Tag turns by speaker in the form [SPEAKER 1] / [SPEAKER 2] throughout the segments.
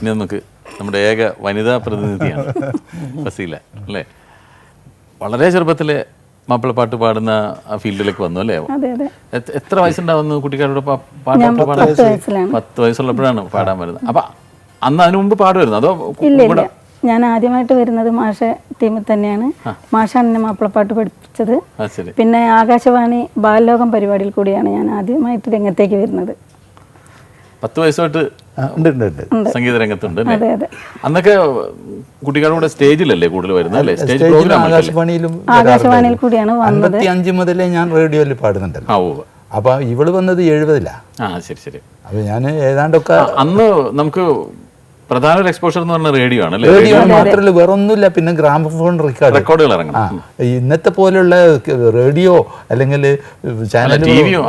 [SPEAKER 1] ഇനി നമുക്ക് നമ്മുടെ ഏക വനിതാ പ്രതിനിധിയാണ് ഫസീല അല്ലേ. വളരെ ചെറുപ്പത്തിലെ മാപ്പിളപ്പാട്ട് പാടുന്ന ആ ഫീൽഡിലേക്ക് വന്നു അല്ലേ? എത്ര വയസ്സുണ്ടാവുന്നു കുട്ടിക്കാരോട് പാട്ട് പാടാൻ? 10 വയസ്സുള്ളപ്പോഴാണ് പാടാൻ വരുന്നത്. അപ്പൊ അന്ന് അതിനു മുമ്പ് പാടുമായിരുന്നു അതോ?
[SPEAKER 2] ഞാൻ ആദ്യമായിട്ട് വരുന്നത് മാഷ ടീമിൽ തന്നെയാണ്. മാഷാണ് എന്നെ മാപ്പിളപ്പാട്ട് പഠിപ്പിച്ചത്. പിന്നെ ആകാശവാണി ബാലലോകം പരിപാടിയിൽ കൂടിയാണ് ഞാൻ ആദ്യമായിട്ട് രംഗത്തേക്ക് വരുന്നത്.
[SPEAKER 1] 10 വയസ്സായിട്ട് സംഗീത രംഗത്തുണ്ട്. അന്നൊക്കെ കുട്ടികളുടെ കൂടെ സ്റ്റേജിലല്ലേ കൂടുതൽ വരുന്നത് അല്ലേ? സ്റ്റേജ് പ്രോഗ്രാം
[SPEAKER 2] ആകാശവാണിയിൽ കൂടിയാണ് വന്നത്.
[SPEAKER 3] 55 മുതലേ ഞാൻ റേഡിയോയിൽ പാടുന്നുണ്ടല്ലോ. അപ്പൊ ഇവള് വന്നത് 70-ലാ.
[SPEAKER 1] ശരി.
[SPEAKER 3] അപ്പൊ ഞാൻ ഏതാണ്ടൊക്കെ
[SPEAKER 1] അന്ന് നമുക്ക് പ്രധാന ഒരു എക്സ്പോഷർ എന്ന് പറഞ്ഞ റേഡിയോ ആണ്.
[SPEAKER 3] റേഡിയോ മാത്രമല്ല വേറെ ഒന്നുമില്ല. പിന്നെ ഗ്രാമഫോൺ
[SPEAKER 1] റെക്കോർഡുകൾ ഇറങ്ങണം.
[SPEAKER 3] ഇന്നത്തെ പോലുള്ള റേഡിയോ അല്ലെങ്കിൽ ചാനൽ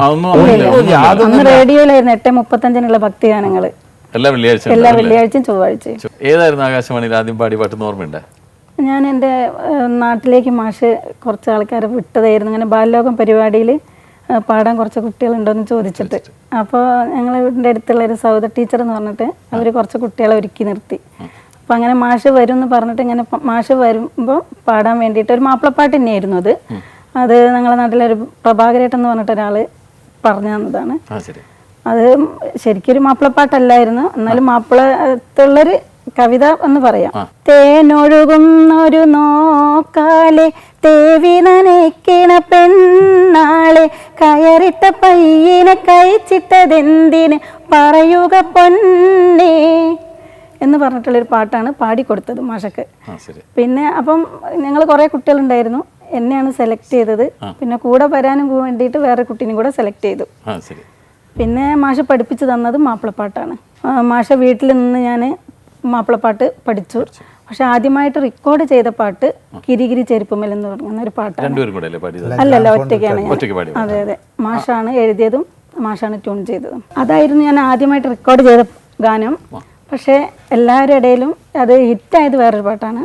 [SPEAKER 2] റേഡിയോയിലായിരുന്നു 8:35 ഭക്തിഗാനങ്ങൾ എല്ലാ വെള്ളിയാഴ്ചയും ചൊവ്വാഴ്ചയും.
[SPEAKER 1] ഏതായിരുന്നു ആകാശവാണിയിൽ ആദ്യം പാടി പാട്ടെന്ന് ഓർമ്മയുണ്ട്?
[SPEAKER 2] ഞാൻ എൻ്റെ നാട്ടിലേക്ക് മാഷ് കുറച്ച് ആൾക്കാരെ വിട്ടതായിരുന്നു. അങ്ങനെ ബാലലോകം പരിപാടിയിൽ പാടാൻ കുറച്ച് കുട്ടികളുണ്ടോയെന്ന് ചോദിച്ചിട്ട്. അപ്പോൾ ഞങ്ങൾ വീടിൻ്റെ അടുത്തുള്ളൊരു സൗദ ടീച്ചർ എന്ന് പറഞ്ഞിട്ട് അവർ കുറച്ച് കുട്ടികളെ ഒരുക്കി നിർത്തി. അപ്പോൾ അങ്ങനെ മാഷ് വരും എന്ന് പറഞ്ഞിട്ട് ഇങ്ങനെ മാഷ് വരുമ്പോൾ പാടാൻ വേണ്ടിയിട്ട് ഒരു മാപ്പിളപ്പാട്ട് തന്നെയായിരുന്നു അത് ഞങ്ങളുടെ നാട്ടിലൊരു പ്രഭാകരേട്ടൻ എന്ന് പറഞ്ഞിട്ട് ഒരാൾ പറഞ്ഞു തന്നതാണ്. അത് ശരിക്കൊരു മാപ്പിളപ്പാട്ടല്ലായിരുന്നു, എന്നാലും മാപ്പിളത്തുള്ളൊരു കവിത എന്ന് പറയാം. തേനൊഴുകുന്നൊരു നോക്കാലെ തേവി നനയ്ക്കണ പെണ്ണാളെ കയറിട്ട പയ്യനെ കഴിച്ചിട്ടതെന്തിന് പറയുക പൊന്നേ എന്ന് പറഞ്ഞിട്ടുള്ളൊരു പാട്ടാണ് പാടിക്കൊടുത്തത് മാഷക്ക്. പിന്നെ അപ്പം ഞങ്ങൾ കുറേ കുട്ടികളുണ്ടായിരുന്നു. എന്നെയാണ് സെലക്ട് ചെയ്തത്. പിന്നെ കൂടെ വരാനും വേണ്ടിയിട്ട് വേറെ കുട്ടീനും കൂടെ സെലക്ട് ചെയ്തു. പിന്നെ മാഷ പഠിപ്പിച്ചു തന്നത് മാപ്പിളപ്പാട്ടാണ്. മാഷ വീട്ടിൽ നിന്ന് ഞാൻ മാപ്പിളപ്പാട്ട് പഠിച്ചു. പക്ഷെ ആദ്യമായിട്ട് റെക്കോർഡ് ചെയ്ത പാട്ട് കിരികിരി ചെരുപ്പുമൽ എന്ന് പറയുന്ന ഒരു പാട്ടാണ്. അല്ലല്ല, ഒറ്റയ്ക്കാണ് ഞാൻ. അതെ. മാഷാണ് എഴുതിയതും മാഷാണ് ട്യൂൺ ചെയ്തതും. അതായിരുന്നു ഞാൻ ആദ്യമായിട്ട് റെക്കോർഡ് ചെയ്ത ഗാനം. പക്ഷെ എല്ലാവരുടെ ഇടയിലും അത് ഹിറ്റായത് വേറൊരു പാട്ടാണ്.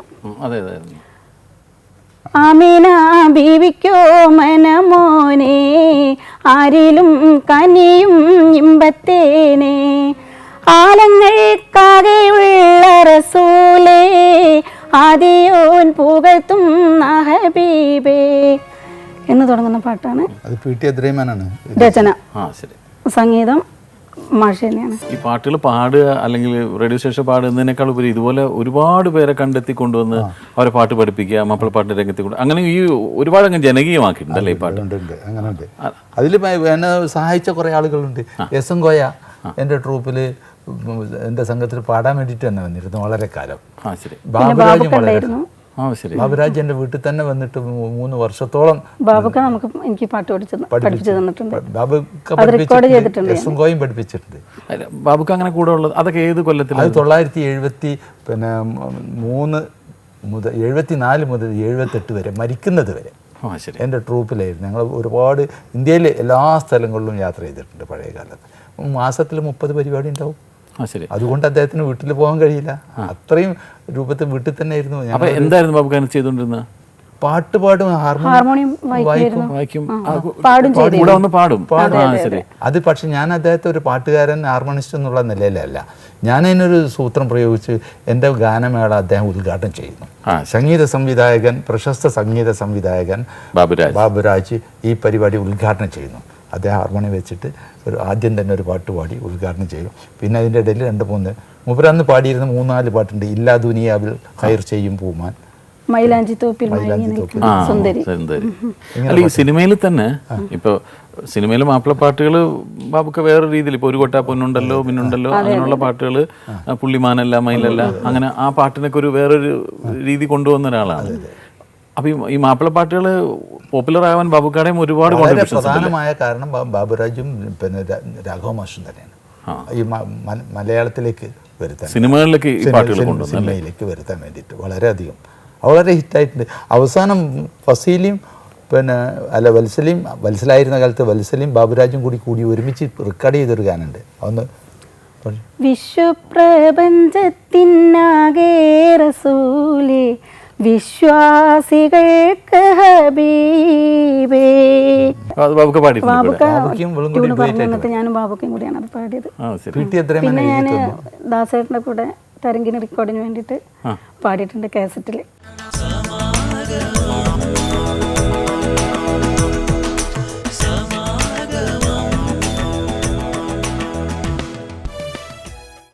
[SPEAKER 2] ആമീന ബീവിക്കോ മനമോനെ ആരിലും കനിയും ഇമ്പത്തേനെ ആലങ്ങൾക്കാകെയുള്ള റസൂലേ ആദിയോൻ പുകഴ്ത്തും ഹബീബേ എന്ന് തുടങ്ങുന്ന പാട്ടാണ്. രചന, സംഗീതം മാഷ തന്നെയാണ്.
[SPEAKER 1] ഈ പാട്ടുകൾ പാടുക അല്ലെങ്കിൽ റേഡിയോ സ്റ്റേഷൻ പാടുന്നതിനേക്കാൾ ഉപരി ഇതുപോലെ ഒരുപാട് പേരെ കണ്ടെത്തി കൊണ്ടുവന്ന് അവരെ പാട്ട് പഠിപ്പിക്കുക, മാപ്പിളപ്പാട്ടിന്റെ രംഗത്തെ കൊണ്ട് അങ്ങനെ ഈ ഒരുപാട് അങ്ങ് ജനകീയമാക്കിയിട്ടുണ്ടല്ലേ ഈ പാട്ട്?
[SPEAKER 3] അങ്ങനെയുണ്ട്. അതിൽ എന്നെ സഹായിച്ച കുറേ ആളുകളുണ്ട്. എസ് എൻ കോയ എൻ്റെ ട്രൂപ്പിൽ എൻ്റെ സംഘത്തിൽ പാടാൻ വേണ്ടിയിട്ട് തന്നെ വന്നിരുന്നു വളരെ കാലം. ബാബുരാജ് എൻ്റെ വീട്ടിൽ തന്നെ വന്നിട്ട് 3 വർഷത്തോളം
[SPEAKER 2] എനിക്ക് പാട്ട് പഠിപ്പിച്ചു തന്നിട്ടുണ്ട്.
[SPEAKER 3] എസ് എൻ കോയും പഠിപ്പിച്ചിട്ടുണ്ട്.
[SPEAKER 1] ബാബുക്ക് അങ്ങനെ കൂടെ ഉള്ളത് അതൊക്കെ ഏത് കൊല്ലത്തിൽ?
[SPEAKER 3] അത് 1973 മുതൽ 74 മുതൽ 78 വരെ മരിക്കുന്നത് വരെ എൻ്റെ ട്രൂപ്പിലായിരുന്നു. ഞങ്ങൾ ഒരുപാട് ഇന്ത്യയിലെ എല്ലാ സ്ഥലങ്ങളിലും യാത്ര ചെയ്തിട്ടുണ്ട് പഴയ കാലത്ത്. മാസത്തിൽ 30 പരിപാടി ഉണ്ടാവും. അതുകൊണ്ട് അദ്ദേഹത്തിന് വീട്ടിൽ പോകാൻ കഴിയില്ല. അത്രയും രൂപത്തിൽ വീട്ടിൽ തന്നെ ആയിരുന്നു.
[SPEAKER 1] എന്തായിരുന്നു ബാബു ചെയ്തുകൊണ്ടിരുന്നത്?
[SPEAKER 3] പാട്ട് പാടും, ഹാർമോണിയം
[SPEAKER 1] വായിക്കും.
[SPEAKER 3] അത് പക്ഷെ ഞാൻ അദ്ദേഹത്തെ ഒരു പാട്ടുകാരൻ ഹാർമോണിസ്റ്റ് എന്നുള്ള നിലയിലല്ല, ഞാൻ അതിനൊരു സൂത്രം പ്രയോഗിച്ച് എൻ്റെ ഗാനമേള അദ്ദേഹം ഉദ്ഘാടനം ചെയ്യുന്നു. സംഗീത സംവിധായകൻ, പ്രശസ്ത സംഗീത സംവിധായകൻ ബാബുരാജ് ഈ പരിപാടി ഉദ്ഘാടനം ചെയ്യുന്നു. അദ്ദേഹം ഹാർമോണിയം വെച്ചിട്ട് ആദ്യം തന്നെ ഒരു പാട്ട് പാടി ഉദ്ഘാടനം ചെയ്യും. പിന്നെ അതിൻ്റെ ഇടയിൽ 2-3 മൂപ്പരന്ന് പാടിയിരുന്ന 3-4 പാട്ടുണ്ട്. ഇല്ലാ ദുനിയാവിൽ ഹൈർ ചെയ്യും പൂമാൻ,
[SPEAKER 1] ഈ സിനിമയിൽ തന്നെ ഇപ്പോൾ സിനിമയിൽ മാപ്പിളപ്പാട്ടുകൾ ബാബുക്ക് വേറെ രീതിയിൽ ഇപ്പോൾ ഒരു കൊട്ടാ പൊന്നുണ്ടല്ലോ മിന്നുണ്ടല്ലോ അങ്ങനെയുള്ള പാട്ടുകൾ, പുള്ളിമാനല്ല മയിലല്ല, അങ്ങനെ ആ പാട്ടിനൊക്കെ ഒരു വേറൊരു രീതി കൊണ്ടുവന്ന ഒരാളാണ്. അപ്പൊ ഈ മാപ്പിളപ്പാട്ടുകൾ പോപ്പുലർ ആവാൻ ബാബുക്കാടെയും ഒരുപാട്
[SPEAKER 3] പ്രധാനമായ കാരണം ബാബുരാജും പിന്നെ രാഘവ മാഷും തന്നെയാണ് ഈ മലയാളത്തിലേക്ക് വരുത്താൻ,
[SPEAKER 1] സിനിമകളിലേക്ക്
[SPEAKER 3] സിനിമയിലേക്ക് വരുത്താൻ വേണ്ടിയിട്ട് വളരെയധികം വളരെ ഹിറ്റായിട്ടുണ്ട്. അവസാനം ഫസീലിയും പിന്നെ വത്സലായിരുന്ന കാലത്ത് വത്സലയും ബാബുരാജും കൂടി ഒരുമിച്ച് റെക്കോർഡ് ചെയ്തൊരു ഗാനുണ്ട്. അതൊന്ന്
[SPEAKER 2] വിശ്വപ്രപഞ്ചത്തിനാകെ റസൂലേ വിശ്വാസികൾക്ക് ഹബീബേ. ഞാനും ബാബുക്കും കൂടിയാണ് അത് പാടിയത്. പിന്നെ ഞാൻ ദാസേട്ടൻ്റെ കൂടെ തരംഗിണി റെക്കോർഡിന് വേണ്ടിയിട്ട് പാടിയിട്ടുണ്ട് കാസറ്റിൽ.